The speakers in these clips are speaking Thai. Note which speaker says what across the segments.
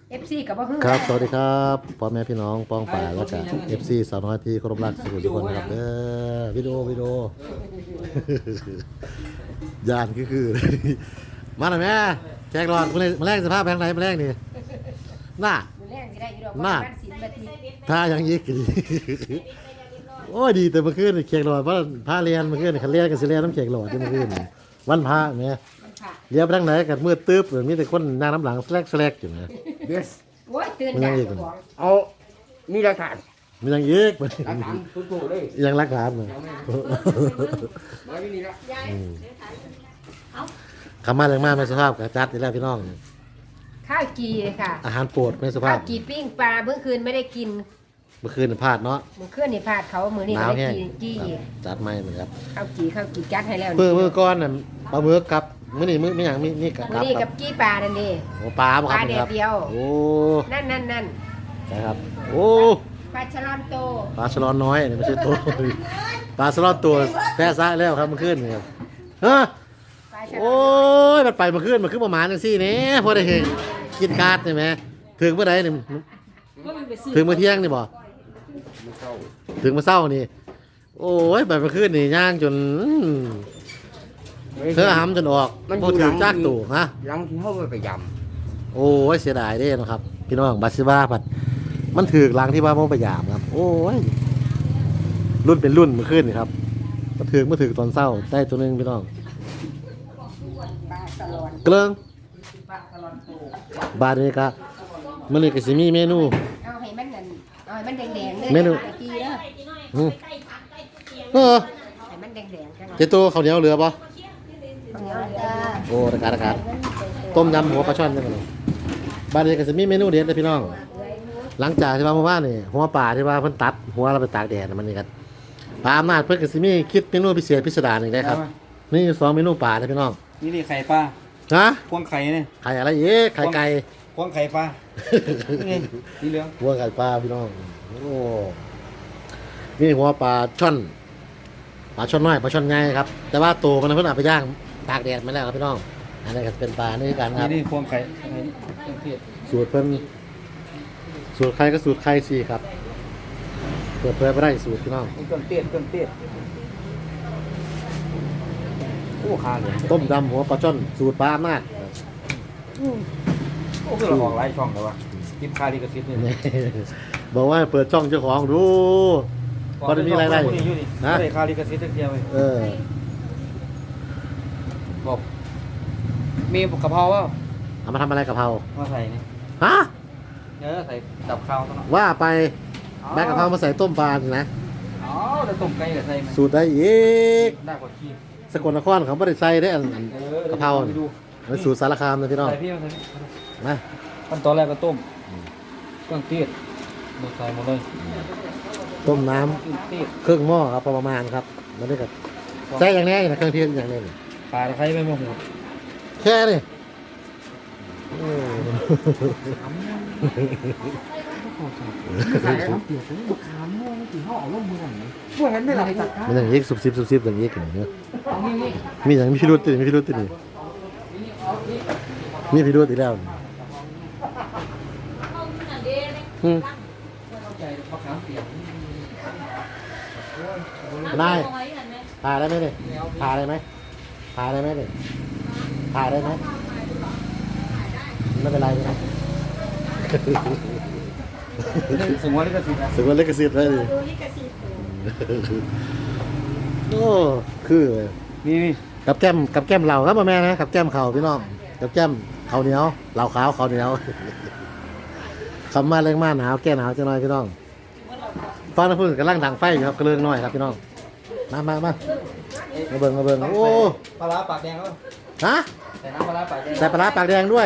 Speaker 1: FC กับบ่ฮู้
Speaker 2: ครับสวัสดีครับพ่อแม่พี่น้องป้องป่าแล้วก็ FC สาวน้อยที่เคารพรักสุขุทุกคนนะครับวิดีโอ ยานคือ มาหน่อยแม่แจกหลอดมาแรกสภาพแพงไหนมาแรกนี่น่า
Speaker 1: มื้อแรงสิได้อยู่ดอก
Speaker 2: น่า
Speaker 1: บ้านศิลป์บัดนี้
Speaker 2: ถ้ายังยิกดีโอ้ยดีแต่เมื่อคืนนี่แขกหลอดว่าพาเรียนเมื่อคืนนี่คันเรียนกันสิเรียนน้ำแขกหลอดที่เมื่อคืนนี่วันพระแม่
Speaker 1: มันค่ะ
Speaker 2: เลี้ยวไปทางไหนกันมืดตึ๊บมีแต่คนนั่งน้ำหลังแสลกอยู่นะ
Speaker 3: เบส
Speaker 1: โอ้ยตื่น
Speaker 2: มันยั
Speaker 1: ยาง ก
Speaker 2: อีก
Speaker 1: เจ้าของ
Speaker 3: เอามีหลักฐาน
Speaker 2: มียังยิก
Speaker 3: หลักฐานถูกๆเลย
Speaker 2: ยังรักฐานเลย
Speaker 3: มาที่นี่ละ
Speaker 2: คำมาแรงมากไม่สุภาพกับจัดนี่แหละพี่น้อง
Speaker 1: ข้าวกีค่ะ
Speaker 2: อาหารโปรดไม่สุภา
Speaker 1: ข้า
Speaker 2: พ
Speaker 1: วกีปิ้งปลาเมื่อคืนไม่ได้กิน
Speaker 2: เมื่อคืนพลาดเนาะ
Speaker 1: มื้อคืนนี่พลาดเขามื้อนี้
Speaker 2: หนาว
Speaker 1: ก็ได้
Speaker 2: แห้ง
Speaker 1: กินกี้
Speaker 2: จัดไม่เหมือนครับ
Speaker 1: ข้าวกีจัดให้แล้ว
Speaker 2: มือก้อนน่ะปลาหมึกกับมื้อนี้มื้ออย่างนี่กับ
Speaker 1: มื้อนี้กับกี้ปลานั่นเด้
Speaker 2: โอ้ปลาบ่ครับ
Speaker 1: ปลาแดดเดียว
Speaker 2: โอ้
Speaker 1: นั่น
Speaker 2: ใช่ครับโอ้
Speaker 1: ปลาฉลามโต
Speaker 2: ปลาฉลอนน้อยนี่ไม่ใช่ตัวปลาฉลอนตัวแพ้ซะแล้วครับเมื่อคืนนี่ครับฮะ
Speaker 1: ปลาฉลาม
Speaker 2: โอ้ยมันไปเมื่อคืนมันขึ้นประมาณจังซี่นี่พอได้เห็นกินคาดใช่ไหมถึงเมื่อใดนี่ถึงเมื่อเที่ยงนี่บ่
Speaker 3: มันเข้า
Speaker 2: ถึงมาเศร้านี่ โอ้ยแบบมาขึ้นนี่ย่างจนเธอหำจนออกพอถือจากตู่ฮะ
Speaker 3: หลังที่เขาไปย
Speaker 2: โอ้ยเสียดายเด้นะครับ พี่น้องบาซิบ้าผัดมันถือหลังที่ว่ามันพยายามครับ โอ้ยรุ่นเป็นรุ่นมาขึ้นนี่ครับมาถือตอนเศร้าได้ตัวหนึงพี่น้อง
Speaker 1: ปลาสลอน
Speaker 2: เกลือง
Speaker 1: ปลาสลอนโต
Speaker 2: บาดนี้ก็มันนี่ก็สิมีเมนู
Speaker 1: เอาให้มันนั่นเอาให้มันแดงๆเลย
Speaker 2: เมนู
Speaker 1: ตะกี้เด้อ
Speaker 2: อืมเออ
Speaker 1: ให้มันแดงๆจัง
Speaker 2: เจตัวข้าวเหนียวเหลือปะ
Speaker 1: ข้าวเหนียวเหลือ
Speaker 2: โอ้ตะการต้มยำหัวปลาช่อนจังเลยบาดนี้ก็สิมีเมนูเด็ดเลยพี่น้อง หลังจากที่ว่าเมื่อวานนี่หัวป่าที่ว่าเพิ่นตัดหัวเราไปตากแดดน่ะมันนี่ครับปลาอำนาจเพิ่นก็สิมีคิดเมนูพิเศษพิสดารอีกได้ครับนี่อยู่2เมนูป่าเลยพี่น้อง
Speaker 4: นี่ไข่ปลา
Speaker 2: ฮะ
Speaker 4: พวงไข่เนี่ย
Speaker 2: ไข่อะไรอีกไข่ไก่
Speaker 4: พวงไข่ปลานี่สีเหลือง
Speaker 2: หัวไข่ปลาพี่น้องโอ้นี่หัวปลาช่อนปลาช่อนน้อยปลาช่อนใหญ่ครับ แต่ว่าตัวมันเพิ่นเอาไปย่างตากแดดมาแล้วครับพี่น้องอันนี้ก็เป็นปลานี่กันครับ
Speaker 4: นี่พวงไข่ไข่เครื่องเทศ
Speaker 2: สูตรเพิ่นสูตรใครก็สูตรใครสิครับเปิดเผยบ่ได้สูตรพี่น้อง
Speaker 4: เครื่องเทศโอ้ขาเลย
Speaker 2: ต้มยำหัวปลาช่อนสูตรปลาอำนาจ
Speaker 4: โอ้คือเราออกหลายช่องเลยวะกินคาลิกาซิสเนี่ย
Speaker 2: บอกว่าเปิดช่องเจ้าของดูพอจะมีรายได้
Speaker 4: อยู่นี่
Speaker 2: ฮะ
Speaker 4: ไม่ได้คาลิกาซิสเดียวเลย
Speaker 2: เออ
Speaker 4: บอกมีกะเพราว่า
Speaker 2: เอามาทำอะไรกับเพรา
Speaker 4: มาใส่นี่
Speaker 2: ฮะ
Speaker 4: เนื้อใส่ดับข้าวตลอด
Speaker 2: ว่าไปแบกกะเพรามาใส่ต้มปลาสินะ
Speaker 4: อ๋อจะต้มไก่กับใส่ไหม
Speaker 2: สูตรได้อีก
Speaker 4: ได้กว่าขี้
Speaker 2: สกลนครเขาไม่ได้ใส่ได้อันกะเพรา
Speaker 4: ไปดู
Speaker 2: มันสูตรสารคามนะพี่น้อง
Speaker 4: ใส่พี่มาใส่พี่
Speaker 2: มา
Speaker 4: ขั้นตอนแรกก็ต้มเครื่องเทศหมดใส่หมดเลย
Speaker 2: ต้มน้
Speaker 4: เครื่องเทศ
Speaker 2: ำครึ่งหม้อครับประมาณครับแล้วนี่ก็ใส่อย่างนี้นะเครื่องเทศอย่างนี้นี่
Speaker 4: ปลาตะไคร้ใบมะกรูด
Speaker 2: แค่นี้โอ้
Speaker 3: ำใส่น้ำเปลือกบุกขามม่วงสีห่อร่มมือหน่อยพวกเห็นไหมล่ะตัด
Speaker 2: มันอย่างนี้สุบซิบอย่างนี้กันเนอะ
Speaker 4: เอานี่นี่
Speaker 2: มีอย่างมีพิรุษติมีพิรุษตินี่มีพิรุษอีกแล้วนี่อืม
Speaker 4: ใจมะขามเปียก
Speaker 2: ได้ถ่ายได้ไหมเนี่ยถ่ายได้ไหมถ่ายได้ไหมเนี่ยถ่ายได้ไหมไม่เป็นไรนะ
Speaker 4: สมมติลิขสิทธิ์นะ
Speaker 2: ถึงวันเล็กกระสิทธิ์เลยดิโอ้คือเลย
Speaker 4: นี่นี่
Speaker 2: กับแก้มเหล่าครับแม่นะกับแก้มเขาพี่น้องกับแก้มเขาวเหนียวเหล่าขาวเขาวเหนียวคำมาเรื่องมาหนาวแก้หนาวจะน้อยพี่น้องฟังนะพูดกำลังดังไฟอยู่ครับกระเรื่องน้อยครับพี่น้องมาเบิ่งโอ้
Speaker 4: ปลาร้าปากแดงก็
Speaker 2: ฮะ
Speaker 4: ใส่น้ำปลาร้าปากแดง
Speaker 2: ใส่ปลาร้าปากแดงด้วย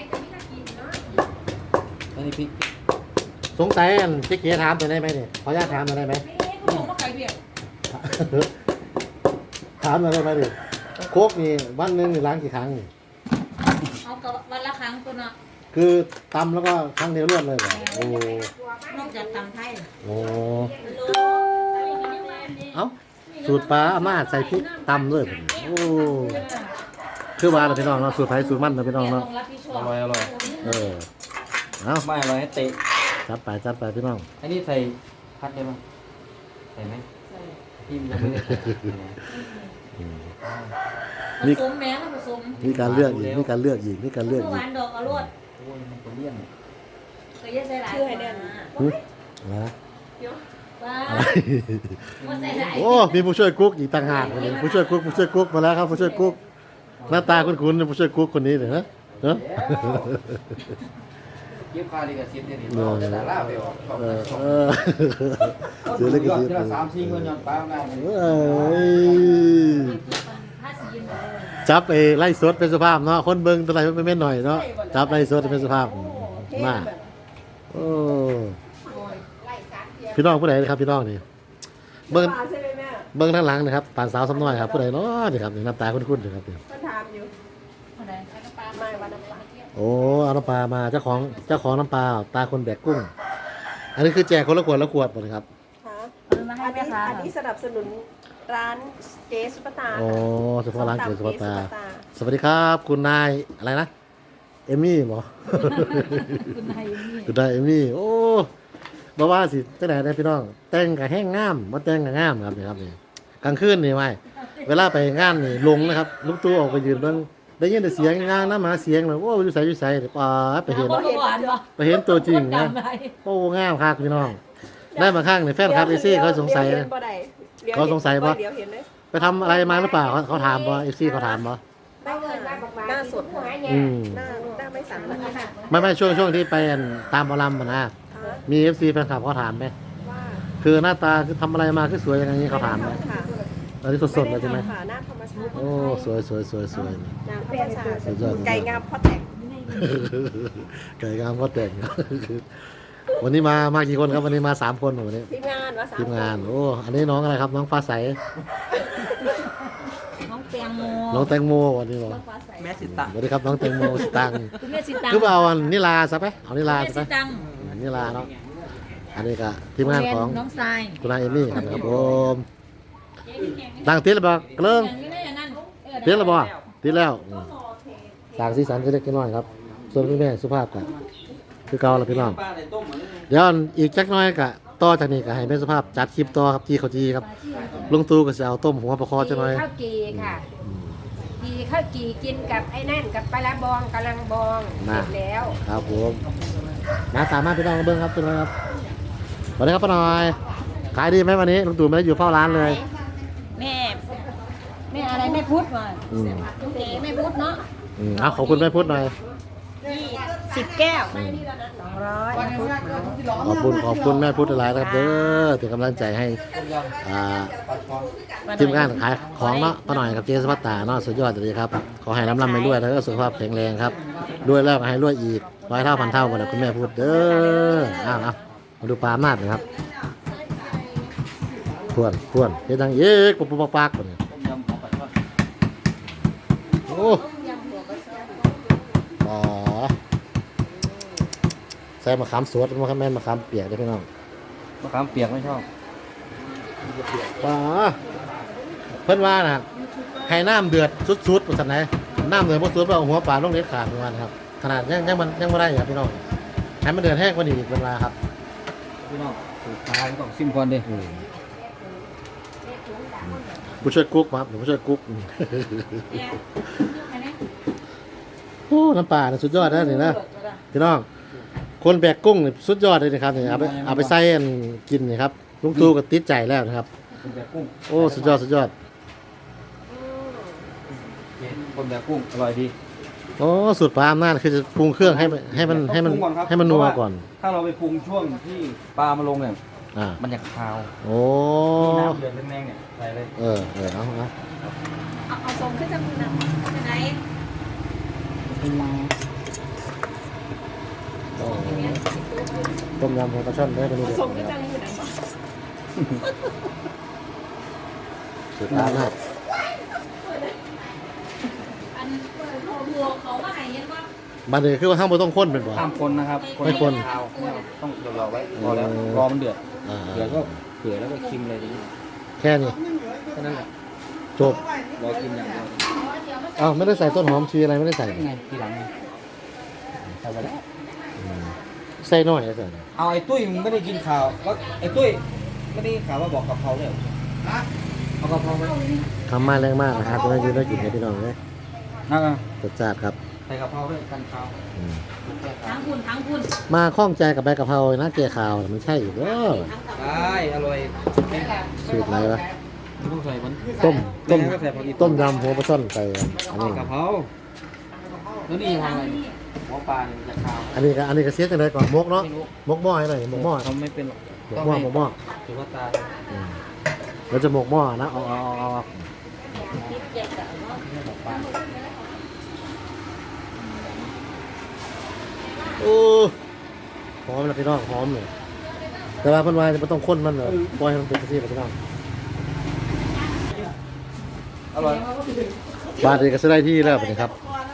Speaker 4: อันนี้พริก
Speaker 2: สงสัยอันเจ๊เก๋ถามตัวได้ไหมเนี่ยขออนุญาตถามตัวได้ไหมถามตัวได้ไหมดิโคกนี่วันหนึงนี่ล้างกี่ครั้งนี่
Speaker 5: เอากับวันละครั้งตัวเนาะ
Speaker 2: คือตำแล้วก็ครั้งเดียวรวดเลยเหรอโอ้
Speaker 5: นอกจากตำไทย
Speaker 2: โหเอ้าสูตรปลาอาม่าใส่พริกตำด้วยผมโอ้คือว่าเราพี่น้องเนาะสูตรไผ่สูตรมันเราพี่น้องเนาะ
Speaker 5: ต้องรับผิดชอ
Speaker 4: อบ ร่อย
Speaker 2: เออเอา
Speaker 4: ไม่อร่อยให้เตะ
Speaker 2: จัดไปพี่น้อง
Speaker 4: อันนี้ใส่พัดได้ป่ะใส่ไหมพี่ยังไม่ได้ใส่
Speaker 5: ผสมแม่แล้วผสม
Speaker 2: มีการเลือกอีกมีการเลือกอีก
Speaker 5: หวานดอกอรวด
Speaker 4: โอ้ยมันจะเลี่ยน
Speaker 5: เคยใส่หลาย
Speaker 1: ชื่อให้แน่น
Speaker 2: นะ
Speaker 5: ว้า
Speaker 2: อะไร
Speaker 5: ว่าใส่หลาย
Speaker 2: โอ้มีผู้ช่วยกุ๊กอีกต่างหากเลยผู้ช่วยกุ๊กมาแล้วครับผู้ช่วยกุ๊กหน้าตาคุ้นๆผู้ช่วยกุ๊กคนนี้เนี่ยฮะ
Speaker 4: เก็บค่าลิขสิทธิ์เนี่ย
Speaker 2: เออ
Speaker 4: จะดาราไปออก
Speaker 2: เดี๋ยวเล็กอีกที
Speaker 4: เดือน3-4คนย้อนป้ามาเนี่ย
Speaker 5: ถ้าสียินเลย
Speaker 2: จับไอ้ไล่สดเป็นสภาพเนาะคนเบิ่งตัวไหนไม่แม่นหน่อยเนาะจับไล่สดเป็นสภาพมาโอ้พี่น้องผู้ใดนะครับพี่น้องนี่เบิ่ง
Speaker 1: ใช่ไหมแม่
Speaker 2: เบิ่งด้านหลังนะครับป่านสาวซ้ำน้อยครับผู้ใดเนาะนี่ครับนี่หน้าตาคุ้นๆนะครับนี่
Speaker 1: มันถามอยู่
Speaker 5: อะไร
Speaker 1: ไม่วันน้ำปลา
Speaker 2: โอ้เอาน้ำปลามาเจ้าของน้ำปลาตาคนแบกกุ้ง อันนี้คือแจกคนละขวดละขวดหมดเลยครับ
Speaker 1: ฮะ
Speaker 5: มาให้แม่ค้า
Speaker 1: อันนี้สนับสนุนร้านเจสุปตา
Speaker 2: โอ้เฉพาะร้านเกิดสปาตา
Speaker 1: ส้มตำ
Speaker 2: สวัสดีครับ คุณนายอะไรนะเอมี่หมอ
Speaker 5: คุณนายนี่
Speaker 2: คุณนายเอมี่โอ้บ่ว่าสิจังไหนได้พี่น้อง แต่งกับแห้งงามบ่แต่งกับงามครับนี่ครับนี่กลางคืนนี่ไว้เวลาไปงานนี่ลงนะครับลูกตู้ออกไปยืนเบิ่งได้ยินแต่เสียงงานน้ำหมาเสียงเลยโอ้อยู่ไสป้าไปเห็น
Speaker 5: หวานปะ
Speaker 2: ไปเห็นตัวจริงนะ
Speaker 5: จำได้
Speaker 2: โอ้งามครับพี่น้อง ได้มาข้างในแฟนคลับเอซี่เขาสงสัย
Speaker 1: เดี๋ว
Speaker 2: นะ
Speaker 1: เห็นบ่ได้ดี๋ว
Speaker 2: เขาสงสัยปะ
Speaker 1: เดี๋ยวเห็นเลย
Speaker 2: ไปทำอะไรมาหรือเปล่าเขาถามบ่เอซี่เขาถามบ่
Speaker 1: ไม่เงินหน้าสด
Speaker 2: อืม
Speaker 1: หน้าไม่สั่นเลยค่ะ
Speaker 2: ไม่ช่วงที่ไปตามบอลลัมนะมีเอฟซีแฟนคลับเขาถามไหม
Speaker 1: ว่า
Speaker 2: คือหน้าตาคือทำอะไรมาคือสวยอย่างนี้เขาถามไหม
Speaker 1: ค่ะ
Speaker 2: ตอนนี้สดๆเลยใช่ไหม
Speaker 1: ค่ะหน้าธรรมชาติ
Speaker 2: โอ้สวย
Speaker 1: หน้าธรรมชาติ
Speaker 2: สุดยอด
Speaker 1: ไก่งามพ่อแต่ง
Speaker 2: ไก่งามก็แต่ง วันนี้มากี่คนครับวันนี้มา3 คนวันนี้
Speaker 1: ทีมงานวะสาม
Speaker 2: ทีมงานโอ้อันนี้น้องอะไรครับน้องฟ้าใส
Speaker 5: น้องแตงโม
Speaker 2: น้องแตงโมวันนี้บอก
Speaker 5: น้องฟ้าใส
Speaker 3: แม่สิตะ
Speaker 2: สวัสดีครับน้องแตงโมสตังค์
Speaker 5: คุณแม่สิตัง
Speaker 2: คือเอาอันนิลาซะไปเอานิลา
Speaker 5: แม่
Speaker 2: ซะ
Speaker 5: สิ
Speaker 2: ไป
Speaker 5: ตัง
Speaker 2: นิลาเนาะอันนี้ก็ทีมงานของ
Speaker 5: น้องทราย
Speaker 2: คุณนายเอมี่ครับผมดังติดแล้วบอกเริ่ม
Speaker 5: อย่างนี้ได้อย่างนั้น
Speaker 2: ติดแล้วบอกติดแล้วสร้างสีสันก็เล็กน้อยครับ ส่วนคุณแม่สุภาพกันคือเก่าแล้วพี่น้อง
Speaker 4: ปลาในต้มเหมือน
Speaker 2: เดี๋ยวอีกจักหน้อยก็ต่อจากนี้ก็ให้แม่สุภาพจัดคลิปต่อครับที่เขาจีครับลุงตู่ก็จะเอาต้มหัวปลาคอจักหน่อย
Speaker 1: ข้าวกีค่ะกีข้าวกีกินกับไอ้นั่นกับปลาบองกะลังบองเสร็จแล้ว
Speaker 2: ครับผมมาสามารถพี่น้องมาเบิ้งครับพี่น้องครับสวัสดีครับป้าหน่อยขายดีไหมวันนี้ลุงตู่ไม่ได้อยู่เฝ้าร้านเลย
Speaker 5: แม่อะไรแม่พุทธมา
Speaker 2: อืม
Speaker 5: เอ๋แม่พุทธเนาะ
Speaker 2: เอาขอบคุณแม่พุทธหน่อย
Speaker 5: 10 แก้ว
Speaker 2: ขอบคุณแม่พุทธหลายนะครับเด้อเป็นกำลังใจให้อ่าทีมงานขายของเนาะป้าหน่อยกับเจสพัตตาเนาะสุดยอดเลยครับขอให้ร่ำไปด้วยแล้วก็สุขภาพแข็งแรงครับด้วยแล้วก็ให้รวยอีก100 เท่าพันเท่าหมดเลยคุณแม่พูดเด้อเอามาดูปลาหน้าหน่อยครับพวนเฮ็ดดังเอ๊กปุ๊บปักๆเนี่ย
Speaker 4: ต้มยำของปลาช่อน
Speaker 2: โอ้อ๋อใส่มะขามสดมะขามแม่นมะขามเปียกได้พี่น้อง
Speaker 4: มะขามเปียกไม่ชอบ
Speaker 2: ป๋าเพิ่นว่านะให้น้ำเดือดสุดๆสันไหนน้ำเดือดบ่สุดเอาหัวปลาลงเด็ดขาดประมาณครับขนาดยังบ่ได้ครับพี่น้องให้มันเดือดแห้งกว่านี้อีกเป็นเวลาครับ
Speaker 4: พี่น้องสูตรปลาต้องซิมก่อนดิ
Speaker 2: ผู้ช่วยกุ๊กครับผู้ช่วยกุ๊กโอ้น้ำปลาเนี่ยสุดยอดนะนี่นะพี่น้องคนแบกกุ้งเนี่ยสุดยอดเลยนะครับนี่เอาไปใส่อันกินนี่ครับลุงตู่ก็ติดใจแล้วนะครับ
Speaker 4: คนแบบกุ้ง
Speaker 2: โอ้สุดยอด
Speaker 4: คนแบบกุ้งอร่อยดี
Speaker 2: โอ้สูตรปลาอำนาจคือจะปรุงเครื่องให้มันนัวก่อน
Speaker 4: ถ้าเราไปปรุงช่วงที่ปลามาลงเนี่ย
Speaker 2: อ่า
Speaker 4: มันจะคาว
Speaker 2: โอ้
Speaker 4: มีน้ำเดือดแรงๆเนี่ยใส่เลย
Speaker 2: เอา
Speaker 5: เอาทรงขึ้นจมูกนะไปไหน
Speaker 2: ต้มยำหัวปลาช่อนได้เป็นรูป
Speaker 1: ส่งก็จังอยู่นะ
Speaker 2: สูตรปลาอำนาจ
Speaker 5: อันหัวเขาว่าไหนเห็นว่า
Speaker 2: มันเลยคือว่าห้ามบ่ต้องข้นเป็นบ่
Speaker 4: ห้ามคนนะครับ
Speaker 2: ไม่คน
Speaker 4: คาวไม่เอาต้องรอไว้พอแล้วรอมันเดือด
Speaker 2: อ่า
Speaker 4: เดือดก็เผื่อแล้วก็คิมเลยทีนี้
Speaker 2: แค่นี้
Speaker 4: แค่นั้นแหละ
Speaker 2: จบ
Speaker 4: รอกินอย่างเดียว
Speaker 2: อ้าวไม่ได้ใส่ต้นหอมชีอะไรไม่ได้ใส่
Speaker 4: ไงทีหลังไงใส่ไปแล้ว
Speaker 2: อใส่น้อยใส่
Speaker 4: เอาไอ้ตุ้ยมึงไม่ได้กินข่าวว่าไอ้ตุ้ยไม่ได้กินข่าวว่าบอกกะเพราเลยเอากะเพราไหม
Speaker 2: ทำมาแรงมากนะครับจะได้ยืนได้กินกันพี่น้องเลย
Speaker 4: นั่น
Speaker 2: รสชาติครับ
Speaker 4: ใส่กะเพราด้วยกันข่าว
Speaker 2: อืม
Speaker 5: ทั้งคุณ
Speaker 2: มาข้องใจกับใบกะเพรานะแก่ข่าวน่ะมันใช่อยู่เด้อ
Speaker 4: ได้อร่อย
Speaker 2: สูตรไหนวะ
Speaker 4: ไม่ต้องใส่มัน
Speaker 2: ต้ม
Speaker 4: ก็ใส่ผักอี
Speaker 2: ต้มยำหัวปลาช่อนใส่อันนี้
Speaker 4: กะเพราแล้วนี่ทำอะไรหมอปลาเนี่ยจะข่าว
Speaker 2: อันนี้ก็เสียจังไดก่อนมกเนาะ
Speaker 4: ไม่รู้
Speaker 2: มกหม้อให้หน่อยมกหม้อ
Speaker 4: ทำไม่เป็นหรอก
Speaker 2: มกหม้อ
Speaker 4: ถือว่าตาย
Speaker 2: อืมเราจะหมกหม้อนะเอาโอ้หอมนะพี่น้องหอมเลยแต่ว่าเพิ่นว่าจะไม่ต้องข้นมันเลยปล่อยให้มันเป็นกระเทียมพี่น้อง
Speaker 4: อร่อย
Speaker 2: บาทเองก็จะได้ที่แล้วนะครับ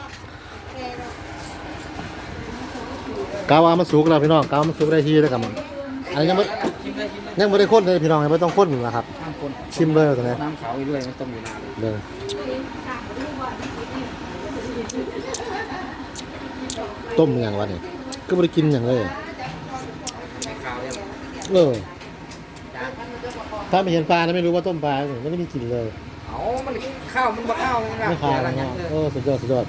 Speaker 2: กาวามันสุกแล้วพี่น้องกาวามันสุกได้ที่แล้วครับอันนี้ยังไม่
Speaker 4: ชิมได้ชิมได้
Speaker 2: ยังไม่ได้ข้นเลยพี่น้องยังไม่ต้องข้นนะครับ
Speaker 4: ห้ามคน
Speaker 2: ชิมเลยตรงนี้
Speaker 4: น้ำขาวอีกด้วยมันต้มอยู่นานเลย
Speaker 2: เลยต้มอย่างวะเนี่ยก็ไม่ได้กินอย่างเลย
Speaker 4: ไม่ขาวเลย
Speaker 2: เออถ้าไม่เห็นปลานะไม่รู้ว่าต้มปลาไม่ได้มีกลิ่นเลย
Speaker 4: เอามันข้าวมันบ่ข้าวเลยนะ
Speaker 2: ไม่ขาว
Speaker 4: อะไร
Speaker 2: นะ
Speaker 4: เงี้ย
Speaker 2: เออสุดยอดสุดยอด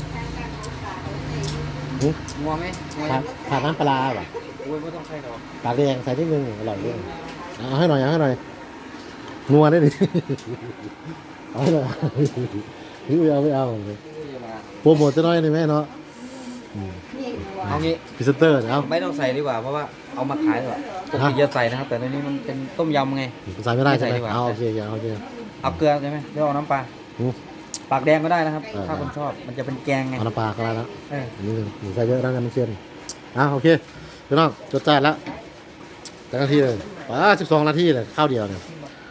Speaker 4: งัวไหมงัว
Speaker 2: ผ่านน้ำปลาป่ะ
Speaker 4: โอ้ยไม่ต้องใส่หรอก
Speaker 2: ปากแดงใส่นิดนึงอร่อยด้วยเอาให้หน่อยเอาให้หน่อยนัวได้ดิ เอาให้หน่อยไม่เอาโปรโมทจะน้อยหนึ่งไหมเนาะ
Speaker 4: เอางี้
Speaker 2: พรีเซนเตอร์เอา
Speaker 4: ไม่ต้องใส่ดีกว่าเพราะว่าเอามาขายดีกว่าปกติจะใส่นะครับแต่ในนี้มันเป็นต้มยำไง
Speaker 2: ใส่ไม่ได้ใช่ไหม
Speaker 4: ไม่ใส่ดีกว่า
Speaker 2: เอาโอเคโอเค
Speaker 4: เอาเกลือใช่ไหมเดี๋ยวเอาน้ำปลา
Speaker 2: อืม
Speaker 4: ปากแดงก็ได้นะครับ
Speaker 2: เออ
Speaker 4: ถ้าคนชอบมันจะเป็นแกงไง
Speaker 2: เอาน้ำปลาก็ได้แล้ว
Speaker 4: เออ
Speaker 2: นี่หนึ่งใส่เยอะแล้วกันมันเชียนโอเคพี่น้องจดจานแล้วแต่นาทีเลย12 นาทีเลยข้าวเดียวเนี่ย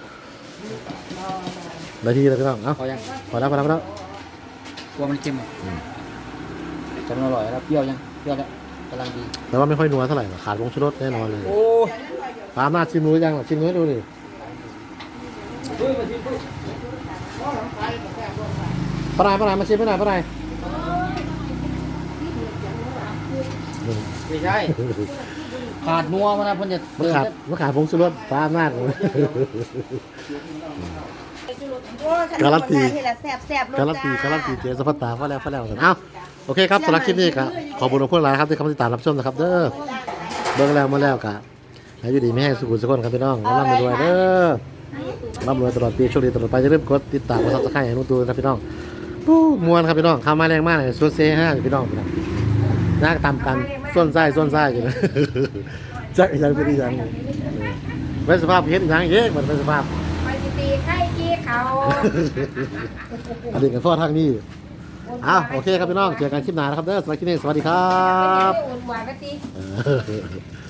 Speaker 2: นาทีเลยพี่น้องเอา
Speaker 4: พอยัง
Speaker 2: พอแล้ว
Speaker 4: กลัวมันเค็มอ่ะจะมันอร่อยแล้วเปรี้ยวยังเปรี้ยวแล้วกำลังดี
Speaker 2: แต่ว่าไม่ค่อยนัวเท่าไหร่ขาดผงชูรสแน่นอนเลย
Speaker 4: โอ้ย
Speaker 2: ตามหน้าชิมรู้ยังชิมรู้ให้ดูดิปลามาชิมให้หน่อยปลา
Speaker 4: ไม่ใช่ขาดนัวมันนะเพิ่นจะ
Speaker 2: มันขาดผงชูรสตามหน้าเลย การันตี
Speaker 5: ที่ละแซ่บ
Speaker 2: การันตีเจสพัตตาฟ้าแล้วเอาโอเคครับสำหรับคลิปนี้ครับขอบคุณทุกคนหลายครับที่เข้ามาติดตามรับชมนะครับเด้อเบิ่งแล้วมาแล้วกะให้อยู่ดีไม่ให้สุขุมสุขนครับพี่น้องร่ำรวยเด้อร่ำรวยตลอดปีโชคดีตลอดไปอย่าลืมกดติดตามกดซับสไครต์ให้นุ่นตูนครับพี่น้องปู้มวนครับพี่น้องเข้ามาแรงมากเลยส่วนเซ่ห้าพี่น้องน่าตามกันส่วนไส้อยู่นะจักยังเป็นยังเป็นสภาพเห็นยังเยอะมันเป็นสภาพ
Speaker 1: ไปตีไข่กี้เขา
Speaker 2: อันนี้กันฟอทางนี้โอเคครับพี่น้องเจอกันคลิปหน้านะครับเด้อสวัสดีครับ
Speaker 1: ไม่ได้อุ่นหวานกะทิ
Speaker 2: เออ